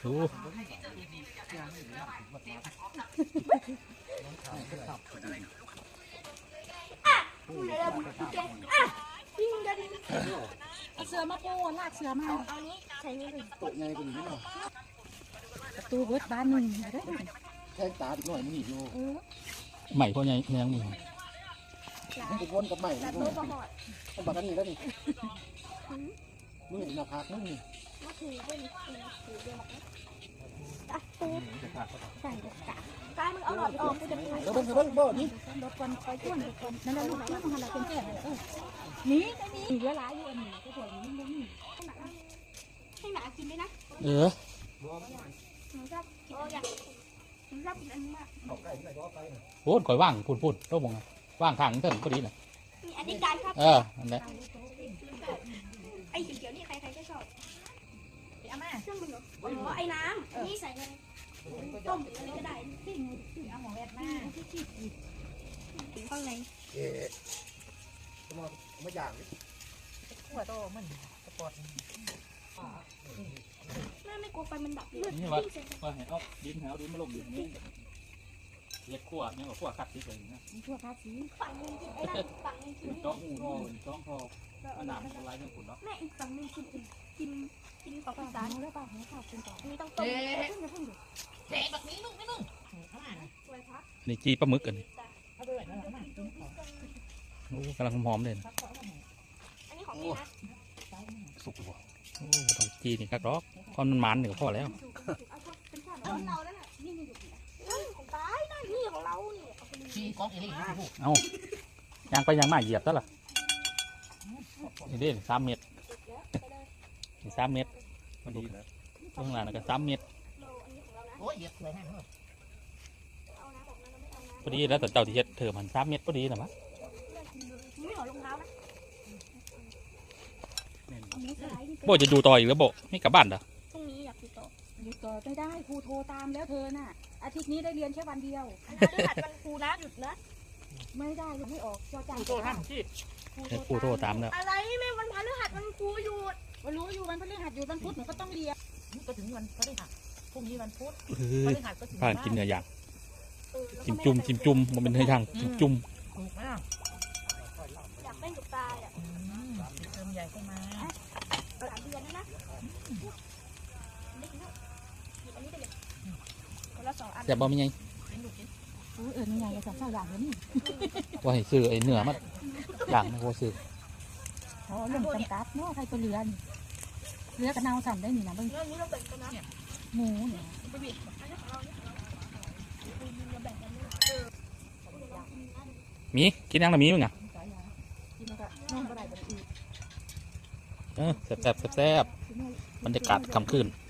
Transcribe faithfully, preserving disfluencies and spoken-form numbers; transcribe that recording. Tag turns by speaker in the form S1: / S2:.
S1: ดู
S2: เสือมาปูลากเสือมาเอานี้ใช้นี่เลยตกไงกันนี่ประตูเบิดบ้านหนึ่งเด้อ
S3: แค่ตาดีหน่อยมันหนีอยู่
S1: ใหม่พ่อใหญ่ยังมี
S3: มันจะวนกับใหม่นี่ต้องบักกันนี่แล้วนี่มึงเห็นหน้าผากมึงนี่
S2: มาถือเป็นถือเดียวอ่ะปูใส่กระกาใส่มึงเอาหลอดออกกูจะไป
S3: แล้วเบิ้งเบิ้งบ่นี่
S2: รถคนคอยช่วยรถคนนั่นแหละลูกที่มันอะไรเป็นแก่เออนี่ไม่มีเหลือหลายอยู่อันนี้ก็ถอยนี่ไม่มีให้หมากินด้วยนะ
S1: เออ
S2: หนูชอบโอ้ยหนูชอบกินอันนี้มาก
S1: พูดคอยว่างพูดพูดต้องมองว่างทางเถิงพอดีเลย
S2: อันนี้การครับ
S1: เอออันนี้
S2: ไอ้เขียวๆนี่ใครๆก็ชอบเอามาเครื่องมืออ๋อไอ้น้ำนี่ใส่เลยต้มอะไรก็ได้ที่ที่เอาหมอแวดมาที่ที่ข้างใน
S3: เอ๊ะมาไม่อย่างนี้
S2: หัวโตมันสปอร์ตแม่ไม่กลัวไฟมันดับเลย
S1: นี่ว่าว่าเห็นเอาดินเอาดินมาลงดินนี่เรียกขั้วเนี่ยว่าขั้วคัดสีเลยนะ
S2: ขั้วคัดสีฝั่งนึงไอ้นั่นฝั่งนึงคือ
S1: จ้องหูทอจ้องทออันหนามอะไรเรื่องขุนเนาะ
S2: แม่อีกฝั่งนึงคือกินกินของภาษาแล้วป่ะหัวข้าวกินต่อนี่ต้องต้มเพิ่งจะเพิ่งอยู่
S4: เจ๊แบบนี้นุ่มไม่นุ่ม
S1: นี่จีปลาหมึกกันโอ้กำลังหอมเลย
S2: อันนี้ของนี่นะ
S1: สุกว่ะโอ้ต้องจีนี่ครับรอกความมันมันหนึ่งก็พอแล้ว
S2: เป็นข้าวของเราแล้วน่ะนี่นี่ของตายนั่นนี่ของเรานี่
S4: ชีกองเอลี่
S1: เอายางไปยางมาเหยียบซะล่ะนี่เด่นสามเมตรสามเมตรพอดีแล้วข้างหลังก็สามเมตร
S4: โอ้ยเหยียบเลยฮะ
S1: พอดีแล้วแต่เจ้าที่เฮ็ดเธอมันสามเมตรพอดีนะมั้ง
S2: ไม่หอรองเท้านะ
S1: โบจะดูต่ออีกแล้วโบไม่กลับบ้านเหรอ
S2: พรุ่งนี้อยากดูต่อ
S5: ดูต่อไม่ได้ครูโทรตามแล้วเธอน่ะอาทิตย์นี้ได้เรียนแค่วันเดียว
S2: พฤหัสวันครูนะหยุดนะ
S5: ไม่ได้ยังไม่ออกจอจัง
S1: ครูโทรตามที่ครูโทรตามแล้ว
S2: อะไรแม่วันพฤหัสวันครูหยุด
S5: วันรู้อยู่วันพฤหัสหยุดวันพุธหนูก็ต้องเรียน
S4: ก็ถึงวันพฤหัสพรุ่งนี้วันพุธ
S1: พฤหัสก็ถึงบ้านกินเนื้อย่างจิ้มจุ่มจิ้มจุ่มมันเป็นเนื้อย่างจิ้มจุ่ม
S4: ถูกไหมล่ะ
S2: อยากเล่นกับตาอ่ะ
S4: เติมใหญ่ขึ้นมา
S2: สามเดือนนะนะอันนี้ไปเลยคนละสองอัน
S1: จะบอกมีไง
S5: เออเออนี่ไงสองสามอย่างนี้
S1: ว่าให้ซื้อไอ้เนื้อมันอย่างมันก็ซื้อ
S5: อ๋อเรื่องจำกัดเนาะใครตัวเรือนเรือกระเนาสั่นได้หนินะเบิ้ง
S2: นี้เราแบ่งกันนะ
S5: หมูเนี่ย
S1: มีกินยังละมีมั้งไงเออแซ่บแซ่บแซ่บบรรยากาศค่ำคืน